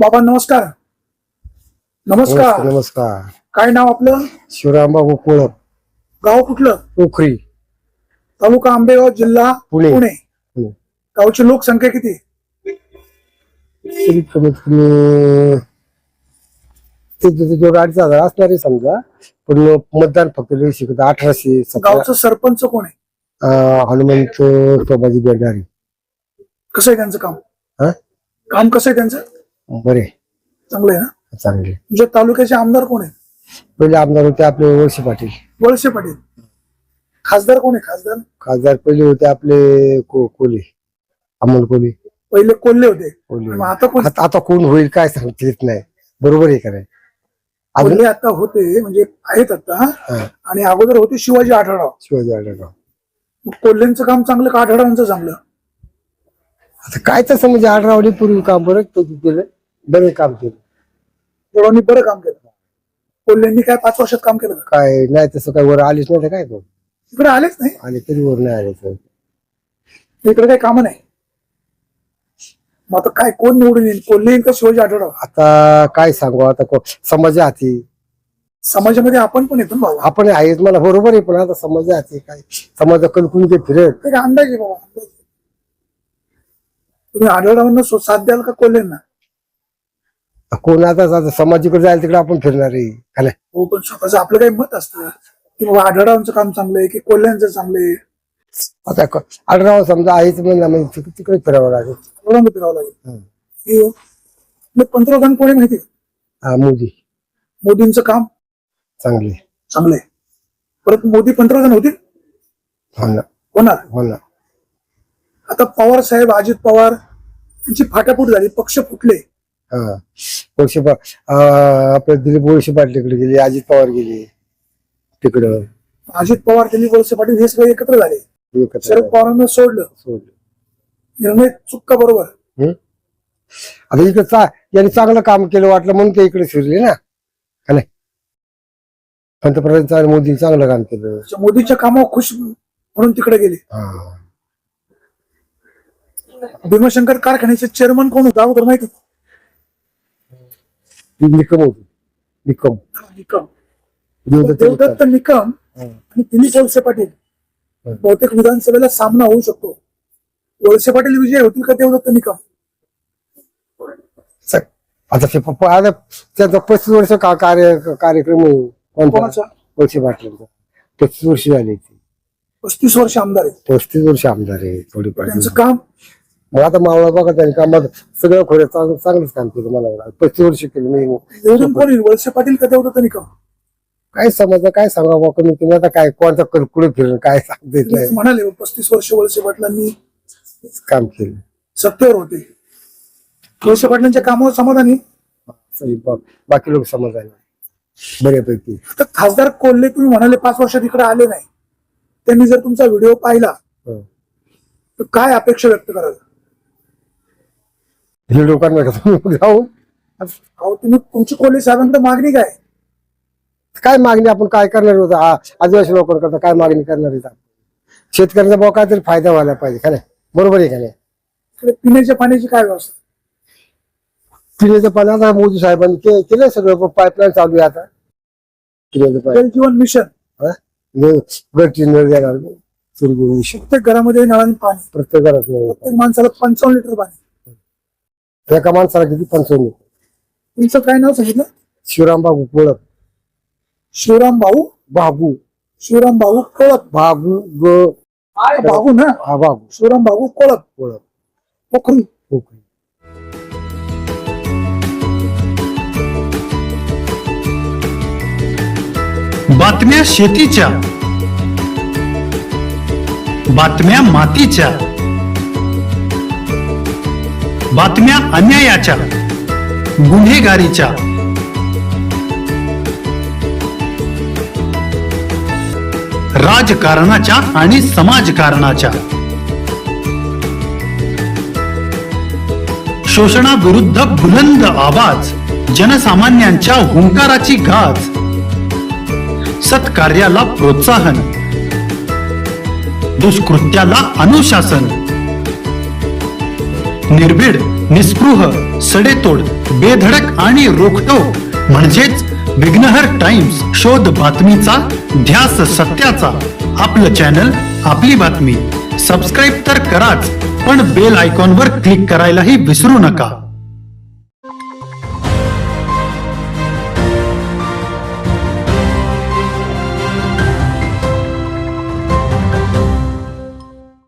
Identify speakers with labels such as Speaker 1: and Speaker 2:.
Speaker 1: बाबा नमस्कार. नमस्कार.
Speaker 2: नमस्कार.
Speaker 1: काय नाव आपलं?
Speaker 2: शिवरामबाबू कोळप,
Speaker 1: गाव कुठलं?
Speaker 2: पोखरी,
Speaker 1: तालुका आंबेगाव, जिल्हा
Speaker 2: पुणे.
Speaker 1: पुणे. गावची लोकसंख्या किती?
Speaker 2: कमीत कमी जो 2,500 असणार आहे समजा, पण मतदान फक्त 1800.
Speaker 1: गावचं सरपंच कोण आहे?
Speaker 2: हनुमंत सोबाजी बेंडारी.
Speaker 1: कसं आहे त्यांचं काम?
Speaker 2: हा,
Speaker 1: काम कसं आहे त्यांचं?
Speaker 2: बरे,
Speaker 1: चांगलं आहे ना?
Speaker 2: चांगले.
Speaker 1: तुमच्या तालुक्याचे आमदार कोण आहे?
Speaker 2: पहिले आमदार होते आपले वळसे पाटील.
Speaker 1: वळसे पाटील. खासदार कोण आहे? खासदार
Speaker 2: खासदार पहिले होते आपले कोले, अमोल कोले.
Speaker 1: पहिले कोल्हे होते.
Speaker 2: कोले.
Speaker 1: मग आता कोण?
Speaker 2: आता कोण होईल काय सांगता येत नाही. बरोबर आहे का नाही?
Speaker 1: कोल्हे आता होते म्हणजे आहेत आता, आणि अगोदर होते शिवाजी आढळराव.
Speaker 2: शिवाजी आढळराव.
Speaker 1: मग कोल्हेंचं काम चांगलं का आढळरावांचं चांगलं?
Speaker 2: आता काय तसं म्हणजे आढळरावने पूर्वी काम बरं केलं, बरे काम केलं.
Speaker 1: दोघांनी बरं काम केलं. कोल्हेंनी काय 5 वर्षात काम केलं का?
Speaker 2: काय नाही तसं काय वर आलीच नाही तर काय तो
Speaker 1: इकडे आलेच नाही.
Speaker 2: आले तरी वर नाही आले तर
Speaker 1: इकडे काही काम नाही. मग आता काय कोण निवडून येईल? कोल्हे येईल का शिवाजी आढळराव?
Speaker 2: आता काय सांगू, आता समाजा हाती.
Speaker 1: समाजामध्ये आपण पण येतो ना बाबा.
Speaker 2: आपण आहेच मला बरोबर आहे, पण आता समाजा हाती काय समाजा कलकुन ते फिरत.
Speaker 1: ते काय अंदाज आहे बाबा, अंदाज. तुम्ही आढळरावांना साथ द्याल का कोल्हेंना?
Speaker 2: कोण आता समाजाकडे जायला तिकडे आपण फिरणार आहे का नाही?
Speaker 1: हो, पण स्वतःच आपलं काही मत असतं की बाबा आढळरावांचं काम चांगलं आहे की कोल्ह्यांचं चांगलं आहे.
Speaker 2: आता आढळराव समजा आहेच म्हणलं म्हणजे तिकडे फिरावं लागेल.
Speaker 1: आढळरावांना फिरावं लागेल. मग पंतप्रधान कोणी माहिती आहे?
Speaker 2: हा, मोदी.
Speaker 1: मोदींचं काम
Speaker 2: चांगले,
Speaker 1: चांगलं आहे. परत मोदी पंतप्रधान होतील?
Speaker 2: हो ना,
Speaker 1: होणार.
Speaker 2: हो ना.
Speaker 1: आता पवार साहेब, अजित पवार यांची फाटाफूट झाली, पक्ष फुटले.
Speaker 2: हा, आपले दिलीप वळसे पाटलीकडे गेले, अजित पवार गेले तिकडं.
Speaker 1: अजित पवार, दिलीप वळसे पाटील हे सगळे एकत्र झाले. शरद पवारांना सोडलं. निर्णय चुका बरोबर.
Speaker 2: आता इकडे यांनी चांगलं काम केलं वाटलं म्हणून ते इकडे फिरले ना, का नाही? पंतप्रधान मोदींनी चांगलं काम केलं.
Speaker 1: मोदीच्या कामावर खुश म्हणून तिकडे गेले. भीमाशंकर कारखान्याचे चेअरमन कोण होता अगोदर माहिती?
Speaker 2: निकम होती. निकम
Speaker 1: देवदत्त निकम आणि दिलीप वळसे पाटील. बहुतेक विधानसभेला सामना होऊ शकतो. वळसे पाटील विजय होतील का देवदत्त निकम?
Speaker 2: आता त्याचा 35 वर्ष कार्यक्रम
Speaker 1: कोणाचा?
Speaker 2: वळसे पाटलांचा 35 वर्ष झाली.
Speaker 1: 35 वर्ष आमदार आहेत.
Speaker 2: 35 वर्ष आमदार आहे. थोडीफार
Speaker 1: त्यांचं काम.
Speaker 2: मग आता मावळा बघा त्यांनी कामात सगळं खोऱ्या चांगलंच काम केलं. मला 35 वर्ष केलं मी.
Speaker 1: निवडून कोण येईल? वळसे पाटील का देवदत्त निकम?
Speaker 2: काय समजा काय सांगा कमी तुम्ही आता काय कोणता कुठे फिरून काय सांगता येत नाही.
Speaker 1: म्हणाले 35 वर्ष वळसे पाटलांनी
Speaker 2: काम केलं,
Speaker 1: सत्तेवर होते. वळसे पाटलांच्या कामावर समाधानी.
Speaker 2: बाकी लोक समाधानी बऱ्यापैकी.
Speaker 1: आता खासदार कोल्हे तुम्ही म्हणाले 5 वर्षात इकडे आले नाही. त्यांनी जर तुमचा व्हिडिओ पाहिला तर काय अपेक्षा व्यक्त कराल?
Speaker 2: हे लोकांना जाऊन
Speaker 1: अहो, तुम्ही तुमची कोल्हे साहेबांकडे मागणी
Speaker 2: काय मागणी आपण काय करणार होतं? आदिवासी लोकांकरता काय मागणी करणार आहे? शेतकऱ्यांचा भाव काहीतरी फायदा व्हायला पाहिजे का नाही? बरोबर आहे का नाही?
Speaker 1: इकडे पिण्याच्या पाण्याची काय व्यवस्था?
Speaker 2: पिण्याचं पाणी आता मोदी साहेबांनी केलं सगळं. पाईपलाईन चालू आहे आता पिण्याचं पाणी.
Speaker 1: जल जीवन मिशन
Speaker 2: घरची नळ देणार मिशन.
Speaker 1: प्रत्येक घरामध्ये नळाने पाणी.
Speaker 2: प्रत्येक घरात
Speaker 1: प्रत्येक माणसाला 55 लिटर पाणी.
Speaker 2: एका माणसाला किती? 55.
Speaker 1: तुमचं काय नाव सांगितलं?
Speaker 2: शिवरामबाबू कोळप.
Speaker 1: शिवराम भाऊ कोळप. भाऊ ना?
Speaker 2: हा, बाबू
Speaker 1: शिवराम भाऊ कोळप. पोखरी.
Speaker 3: बातम्या शेतीच्या, बातम्या मातीच्या, बातम्या अन्यायाच्या, गुन्हेगारीच्या, राजकारणाच्या आणि समाजकारणाच्या, शोषणाविरुद्ध बुलंद आवाज, जनसामान्यांच्या हुंकाराची गाज, सत्कार्याला प्रोत्साहन, दुष्कृत्याला अनुशासन, निर्भीड निस्पृह, सडेतोड, बेधडक आणि रोखटोक म्हणजेच विघ्नहर टाइम्स. शोध बातमीचा, ध्यास सत्याचा. आपलं चॅनल, आपली बातमी. सबस्क्राईब तर कराच, पण बेल आयकॉनवर क्लिक करायलाही विसरू नका.